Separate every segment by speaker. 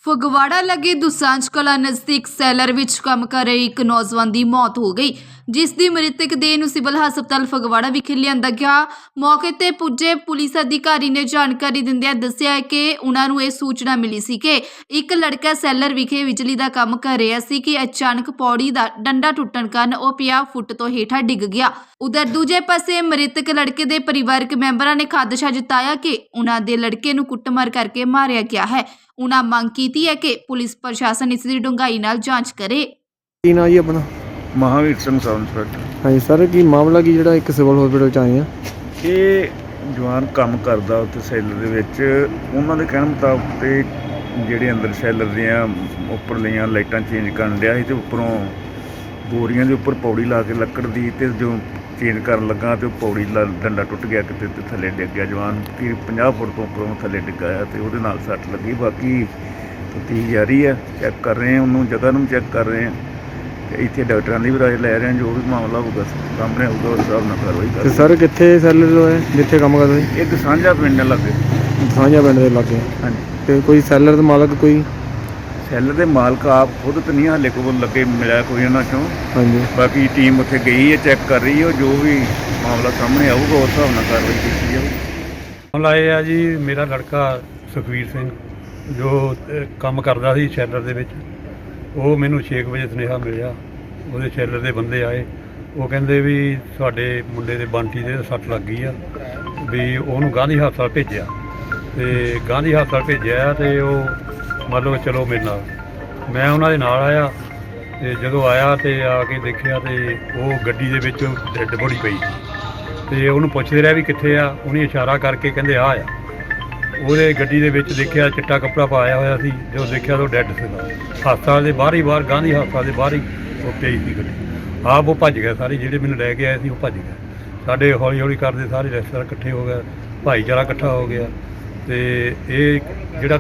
Speaker 1: ਫਗਵਾੜਾ ਲੱਗੇ ਦੁਸਾਂਝ ਕਲਾਂ ਨਜ਼ਦੀਕ ਸੈਲਰ ਵਿੱਚ ਕੰਮ ਕਰ ਰਹੇ ਇੱਕ ਨੌਜਵਾਨ ਦੀ ਮੌਤ ਹੋ ਗਈ, ਜਿਸ ਦੀ ਮ੍ਰਿਤਕ ਦੇਹ ਨੂੰ ਸਿਵਲ ਹਸਪਤਾਲ ਫਗਵਾੜਾ ਵਿਖੇ ਲਿਆਂਦਾ ਗਿਆ। ਮੌਕੇ ਤੇ ਪੁੱਜੇ ਪੁਲਿਸ ਅਧਿਕਾਰੀ ਨੇ ਜਾਣਕਾਰੀ ਦਿੰਦਿਆਂ ਦੱਸਿਆ ਕਿ ਉਹਨਾਂ ਨੂੰ ਇਹ ਸੂਚਨਾ ਮਿਲੀ ਸੀ ਕਿ ਇੱਕ ਲੜਕਾ ਸੈਲਰ ਵਿਖੇ ਬਿਜਲੀ ਦਾ ਕੰਮ ਕਰ ਰਿਹਾ ਸੀ ਕਿ ਅਚਾਨਕ ਪੌੜੀ ਦਾ ਡੰਡਾ ਟੁੱਟਣ ਕਾਰਨ ਉਹ 50 ਫੁੱਟ ਤੋਂ ਹੇਠਾਂ ਡਿੱਗ ਗਿਆ। ਉਧਰ ਦੂਜੇ ਪਾਸੇ ਮ੍ਰਿਤਕ ਲੜਕੇ ਦੇ ਪਰਿਵਾਰਕ ਮੈਂਬਰਾਂ ਨੇ ਖਾਦਸ਼ਾ ਜਤਾਇਆ ਕਿ ਉਹਨਾਂ ਦੇ ਲੜਕੇ ਨੂੰ ਕੁੱਟਮਾਰ ਕਰਕੇ ਮਾਰਿਆ ਗਿਆ ਹੈ। ਉਹਨਾਂ ਮੰਗ ਕੀਤੀ ਹੈ ਕਿ ਪੁਲਿਸ ਪ੍ਰਸ਼ਾਸਨ ਇਸ ਦੀ ਡੂੰਘਾਈ ਨਾਲ ਜਾਂਚ ਕਰੇ।
Speaker 2: ਕੀ ਨਾਂ ਜੀ ਆਪਣਾ?
Speaker 3: Mahavir Singh sub inspector.
Speaker 2: ਹਾਂਜੀ ਸਰ, ਕੀ ਮਾਮਲਾ ਕੀ ਜਿਹੜਾ ਇੱਕ ਸਿਵਲ ਹਸਪੀਟਲ ਚ ਆਏ ਆ?
Speaker 3: ਇਹ ਜਵਾਨ ਕੰਮ ਕਰਦਾ ਉੱਥੇ ਸੈਲਰ ਦੇ ਵਿੱਚ। ਉਹਨਾਂ ਦੇ ਕਹਿਣ ਮੁਤਾਬਕ ਤੇ ਜਿਹੜੇ ਅੰਦਰ ਸੈਲਰ ਦੀਆਂ ਉੱਪਰਲੀਆਂ ਲਾਈਟਾਂ ਚੇਂਜ ਕਰਨ ਡਿਆ ਸੀ ਤੇ ਉੱਪਰੋਂ ਬੋਰੀਆਂ ਦੇ ਉੱਪਰ ਪੌੜੀ ਲਾ ਕੇ ਲੱਕੜ ਦੀ, ਤੇ ਜੋ ਚੇਂਜ ਕਰਨ ਲੱਗਾ ਤੇ ਉਹ ਪੌੜੀ ਦਾ ਡੰਡਾ ਟੁੱਟ ਗਿਆ ਕਿਤੇ ਤੇ ਥੱਲੇ ਡਿੱਗ ਗਿਆ। ਜਵਾਨ ਕਿ 50 ਫੁੱਟ ਤੋਂ ਉੱਪਰੋਂ ਥੱਲੇ ਡਿੱਗਾ ਆ ਤੇ ਉਹਦੇ ਨਾਲ ਸੱਟ ਲੱਗੀ। ਬਾਕੀ ਤਫਤੀਸ਼ ਜਾਰੀ ਹੈ, ਚੈੱਕ ਕਰ ਰਹੇ ਹਾਂ, ਉਹਨੂੰ ਜਗ੍ਹਾ ਨੂੰ ਚੈੱਕ ਕਰ ਰਹੇ ਹਾਂ ਤੇ ਇੱਥੇ ਡਾਕਟਰਾਂ ਦੀ ਵੀ ਰਾਏ ਲੈ ਰਹੇ ਹਾਂ। ਜੋ ਵੀ ਮਾਮਲਾ ਹੋਊਗਾ ਸਾਹਮਣੇ ਆਊਗਾ ਉਸ ਹਿਸਾਬ ਨਾਲ ਕਾਰਵਾਈ
Speaker 2: ਤੇ
Speaker 3: ਕਰਾਂਗੇ।
Speaker 2: ਸਰ ਕਿੱਥੇ ਸੈਲਰ ਹੋਏ ਜਿੱਥੇ ਕੰਮ ਕਰਦੇ ਸੀ?
Speaker 3: ਇੱਕ ਸਾਂਝਾ ਪਿੰਡ ਲੱਗੇ।
Speaker 2: ਸਾਂਝਾ ਪਿੰਡ ਦੇ ਲਾਗੇ।
Speaker 3: ਹਾਂਜੀ,
Speaker 2: ਤੇ ਕੋਈ ਸੈਲਰ ਦਾ ਮਾਲਕ ਕੋਈ?
Speaker 3: ਸੈਲਰ ਦੇ ਮਾਲਕ ਆਪ ਖੁਦ ਤਾਂ ਨਹੀਂ ਹਾਲੇ ਕੋਲ ਲੱਗੇ ਮਿਲਿਆ ਕੋਈ ਉਹਨਾਂ ਚੋਂ।
Speaker 2: ਹਾਂਜੀ,
Speaker 3: ਬਾਕੀ ਟੀਮ ਉੱਥੇ ਗਈ ਹੈ, ਚੈੱਕ ਕਰ ਰਹੀ ਹੈ। ਜੋ ਵੀ ਮਾਮਲਾ ਸਾਹਮਣੇ ਆਊਗਾ ਉਸ ਹਿਸਾਬ ਨਾਲ ਕਾਰਵਾਈ ਕੀਤੀ ਜਾਊਗੀ।
Speaker 4: ਮਾਮਲਾ ਇਹ ਆ ਜੀ, ਮੇਰਾ ਲੜਕਾ ਸੁਖਵੀਰ ਸਿੰਘ ਜੋ ਕੰਮ ਕਰਦਾ ਸੀ ਸ਼ੈਲਰ ਦੇ ਵਿੱਚ, ਉਹ ਮੈਨੂੰ 6 ਵਜੇ ਸੁਨੇਹਾ ਮਿਲਿਆ। ਉਹਦੇ ਸ਼ੈਲਰ ਦੇ ਬੰਦੇ ਆਏ, ਉਹ ਕਹਿੰਦੇ ਵੀ ਤੁਹਾਡੇ ਮੁੰਡੇ ਦੇ ਬੰਟੀ ਦੇ ਸੱਟ ਲੱਗ ਗਈ ਆ, ਵੀ ਉਹਨੂੰ ਗਾਂਧੀ ਹਸਪਤਾਲ ਭੇਜਿਆ। ਤੇ ਗਾਂਧੀ ਹਸਪਤਾਲ ਭੇਜਿਆ ਤੇ ਉਹ ਮੰਨ ਲਓ ਚਲੋ ਮੇਰੇ ਨਾਲ, ਮੈਂ ਉਹਨਾਂ ਦੇ ਨਾਲ ਆਇਆ। ਤੇ ਜਦੋਂ ਆਇਆ ਤੇ ਆ ਕੇ ਦੇਖਿਆ ਤੇ ਉਹ ਗੱਡੀ ਦੇ ਵਿੱਚ ਡੈੱਡ ਬੋਡੀ ਪਈ ਤੇ ਉਹਨੂੰ ਪੁੱਛਦੇ ਰਿਹਾ ਵੀ ਕਿੱਥੇ ਆ। ਉਹਨੇ ਇਸ਼ਾਰਾ ਕਰਕੇ ਕਹਿੰਦੇ ਆ ਆ। ਉਹਦੇ ਗੱਡੀ ਦੇ ਵਿੱਚ ਦੇਖਿਆ ਚਿੱਟਾ ਕੱਪੜਾ ਪਾਇਆ ਹੋਇਆ ਸੀ। ਜਦੋਂ ਦੇਖਿਆ ਤਾਂ ਉਹ ਡੈੱਡ ਸੀਗਾ। ਹਸਪਤਾਲ ਦੇ ਬਾਹਰ ਹੀ, ਗਾਂਧੀ ਹਸਪਤਾਲ ਦੇ ਬਾਹਰ ਹੀ ਉਹ ਪਈ ਸੀ ਗੱਡੀ। ਆਪ ਉਹ ਭੱਜ ਗਿਆ। ਸਾਰੇ ਜਿਹੜੇ ਮੈਨੂੰ ਲੈ ਕੇ ਆਏ ਸੀ ਉਹ ਭੱਜ ਗਏ। ਸਾਡੇ ਹੌਲੀ ਹੌਲੀ ਕਰਦੇ ਸਾਰੇ ਰਿਸ਼ਤੇਦਾਰ ਇਕੱਠੇ ਹੋ ਗਏ, ਭਾਈਚਾਰਾ ਇਕੱਠਾ ਹੋ ਗਿਆ। ਤੇ ਇਹ ਜਿਹੜਾ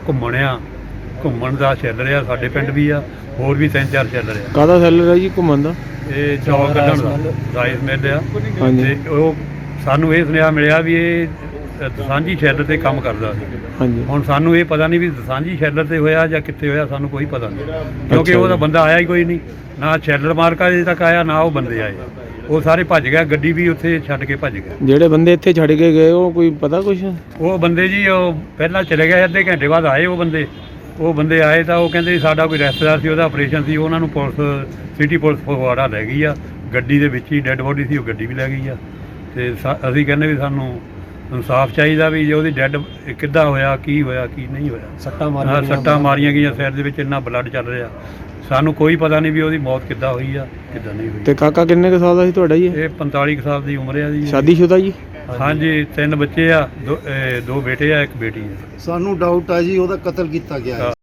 Speaker 4: ਘੁੰਮਣ ਦਾ ਸ਼ੈਲਰ ਆ, ਸਾਡੇ ਪਿੰਡ ਵੀ ਆ, ਹੋਰ ਵੀ 3-4 ਸ਼ੈਲਰ ਆ।
Speaker 2: ਕਾਹਦਾ ਸੈਲਰ ਹੈ ਜੀ ਘੁੰਮਣ ਦਾ?
Speaker 4: ਇਹ ਚੌਲ ਕੱਢਣ ਦਾ ਰਾਈਸ ਮਿਲ ਆ।
Speaker 2: ਹਾਂਜੀ।
Speaker 4: ਤੇ ਉਹ ਸਾਨੂੰ ਇਹ ਸੁਨੇਹਾ ਮਿਲਿਆ ਵੀ ਇਹ ਦਸਾਂਝੀ ਸ਼ੈਲਰ ਤੇ ਕੰਮ ਕਰਦਾ ਸੀ।
Speaker 2: ਹਾਂਜੀ।
Speaker 4: ਹੁਣ ਸਾਨੂੰ ਇਹ ਪਤਾ ਨਹੀਂ ਵੀ ਦਸਾਂਝੀ ਸ਼ੈਲਰ ਤੇ ਹੋਇਆ ਜਾਂ ਕਿੱਥੇ ਹੋਇਆ, ਸਾਨੂੰ ਕੋਈ ਪਤਾ ਨਹੀਂ, ਕਿਉਂਕਿ ਉਹਦਾ ਬੰਦਾ ਆਇਆ ਹੀ ਕੋਈ ਨਹੀਂ। ਨਾ ਸ਼ੈਲਰ ਮਾਲਕ ਅਜੇ ਤੱਕ ਆਇਆ, ਨਾ ਉਹ ਬੰਦੇ ਆਏ। ਉਹ ਸਾਰੇ ਭੱਜ ਗਿਆ, ਗੱਡੀ ਵੀ ਉੱਥੇ ਛੱਡ ਕੇ ਭੱਜ ਗਿਆ।
Speaker 2: ਜਿਹੜੇ ਬੰਦੇ ਇੱਥੇ ਛੱਡ ਕੇ ਗਏ ਉਹ ਕੋਈ ਪਤਾ ਕੁਛ?
Speaker 4: ਉਹ ਬੰਦੇ ਜੀ ਉਹ ਪਹਿਲਾਂ ਚਲੇ ਗਏ, ਅੱਧੇ ਘੰਟੇ ਬਾਅਦ ਆਏ ਉਹ ਬੰਦੇ ਆਏ ਤਾਂ ਉਹ ਕਹਿੰਦੇ ਸਾਡਾ ਕੋਈ ਰਿਸ਼ਤੇਦਾਰ ਸੀ, ਉਹਦਾ ਆਪਰੇਸ਼ਨ ਸੀ। ਉਹਨਾਂ ਨੂੰ ਪੁਲਿਸ, ਸਿਟੀ ਪੁਲਿਸ ਫਗਵਾੜਾ ਲੈ ਗਈ ਆ। ਗੱਡੀ ਦੇ ਵਿੱਚ ਹੀ ਡੈੱਡ ਬੋਡੀ ਸੀ, ਉਹ ਗੱਡੀ ਵੀ ਲੈ ਗਈ ਆ। ਤੇ ਅਸੀਂ ਕਹਿੰਦੇ ਵੀ ਸਾਨੂੰ ਇਨਸਾਫ ਚਾਹੀਦਾ ਵੀ ਜੇ ਉਹਦੀ ਡੈੱਡ ਕਿੱਦਾਂ ਹੋਇਆ, ਕੀ ਹੋਇਆ, ਕੀ ਨਹੀਂ ਹੋਇਆ। ਸੱਟਾਂ ਮਾਰੀਆਂ ਗਈਆਂ ਸਿਰ ਦੇ ਵਿੱਚ, ਇੰਨਾ ਬਲੱਡ ਚੱਲ ਰਿਹਾ। ਸਾਨੂੰ ਕੋਈ ਪਤਾ ਨਹੀਂ ਵੀ ਉਹਦੀ ਮੌਤ ਕਿੱਦਾਂ ਹੋਈ ਆ, ਕਿੱਦਾਂ ਨਹੀਂ ਹੋਈ।
Speaker 2: ਤੇ ਕਾਕਾ ਕਿੰਨੇ ਕੁ ਸਾਲ ਦਾ ਸੀ ਤੁਹਾਡਾ ਜੀ?
Speaker 4: ਇਹ 45 ਸਾਲ ਦੀ ਉਮਰ ਆ ਜੀ।
Speaker 2: ਸ਼ਾਦੀशुदा ਜੀ?
Speaker 4: ਹਾਂਜੀ, 3 ਬੱਚੇ ਆ, 2 ਬੇਟੇ ਆ, 1 ਬੇਟੀ ਆ।
Speaker 5: ਸਾਨੂੰ ਡਾਊਟ ਆ ਜੀ ਉਹਦਾ ਕਤਲ ਕੀਤਾ ਗਿਆ ਹੈ।